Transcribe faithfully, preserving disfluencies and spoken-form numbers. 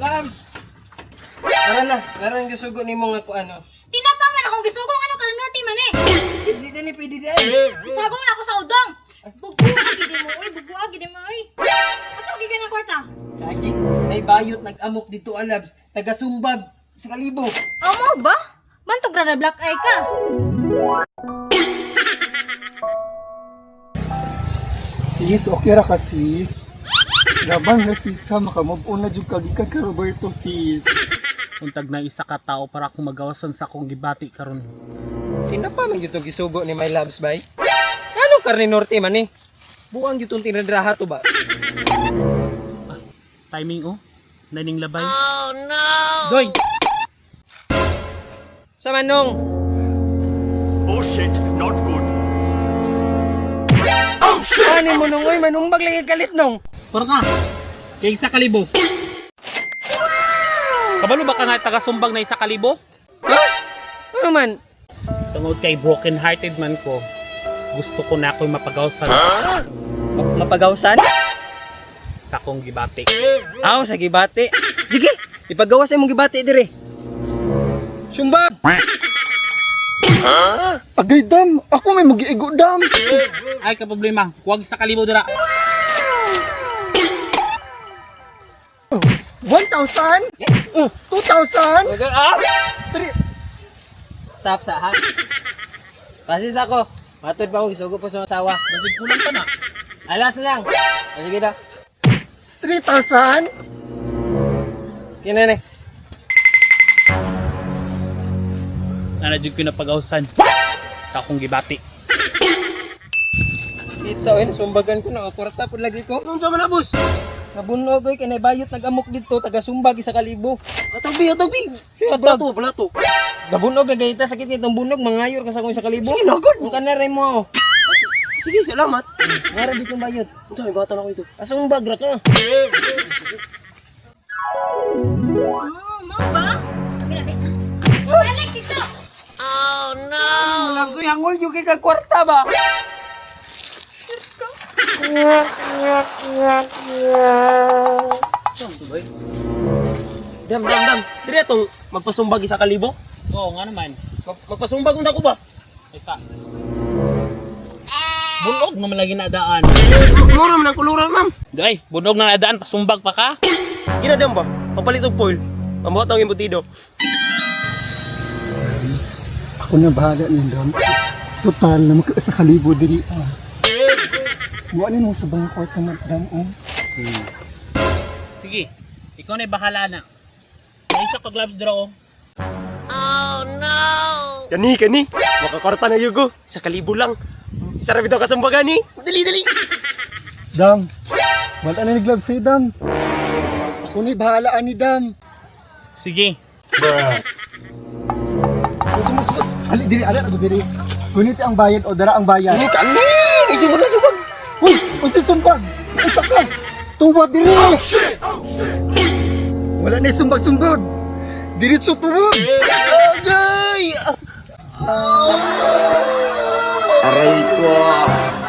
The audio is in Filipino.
Labs! Tara na, laro yung gisugo ni mo nga po ano. Tinapang man akong gisugong ano karon norte man eh. Hindi din, pwede din. Isagong na ako sa udang. Bugo gid mo oy, bugo gid mo oy. Asa gid ka ng kwarta? Lagi, may bayot nag-amok dito alabs. Taga-sumbag sa kalibo. Amo ba? Bantog ra na black eye ka. Sis, okay ra ka sis. Labang na sis ka, makamove on na jud kagikan ka Roberto sis. Untag na isa ka tao para akong magawasan sa akong gibati karon. Tinapa man dito gisugo ni my loves bay. Ano karni norte man eh? Buang jutong tinadraha to ba? Timing oh. Naning labay. Oh no. Doy. Sa manong. Oh shit, not good. Ano mo nung oy manumbag lagi kalit nung. Para ka. Kay isa kalibo. Kabalo ba ka nga taga-sumbag na isa kalibo? Ha? Ano man? Tungod kay broken hearted man ko. Gusto ko na ako'y mapagawasan Ma- mapagawsan? sa akong gibati. Aw, sa gibati. Sige, ipagawas imong gibati dire. Sumba. Agay dam, ako may magiigo dam. Ay ka problema. Huwag sa kalibo dira. one thousand? Uh, two thousand? Wagal up. Three. Tap sa ha. Pasis ako. Matod pa ako gisugo pa sa asawa. Basig kulang pa na. Alas lang. O, sige na. three thousand? Kina ni. Ana jud ko na pagawasan sa akong gibati. Kita eh, sumbagan ko na kwarta pud lagi ko. Unsa man na boss? Nabunog oy kay bayot nag-amok dito taga sumbag isa kalibo. Atog bi, atog bi. Siya Balato, balato. Nabunog na gayta sakit nitong bunog mangayor ka sa akong isa kalibo. Sige na, good. Ang kanare mo. Sige, salamat. Ngara di kong bayot. Unsa may bata na ko ito? Asumbag ra ka. Oh, mo ba? Sabi na balik dito. Lang so hangol yung kay ka kwarta ba? Saan to ba? Dam, dam, dam. Dire atong magpasumbag isa kalibo. Oo nga naman. Mag magpasumbag unta ko ba? Isa. Bunog naman lagi na daan. Mura man ang kuluran, ma'am. Day, bunog na nadaan, pasumbag pa ka? Ina dam ba? Pagpalit og foil. Mamuhat ang embutido. Ako na bahala niyan dam. Total na magka sa kalibo diri ah. Buwanin mo sa bang kwarta na dam oh. Sige, ikaw na bahala na. May isa ka gloves draw. Kani, kani. Makakorta na yugo. Sa kalibo lang. Isa ra bitaw kasumbagan ni. Dali, dali. Dam. Wala na ni glove si dam. Ako ni bahala ani dam. Sige. Sumut sumut. Ali diri ala na diri. Kunit ang bayad o dara ang bayad. Ni kani. Isumod na sumbag. Uy, usi sumbag. Usa ka. Tuwa diri. Wala na sumbag-sumbag. Diretso tuwa. Agay. Aray ko.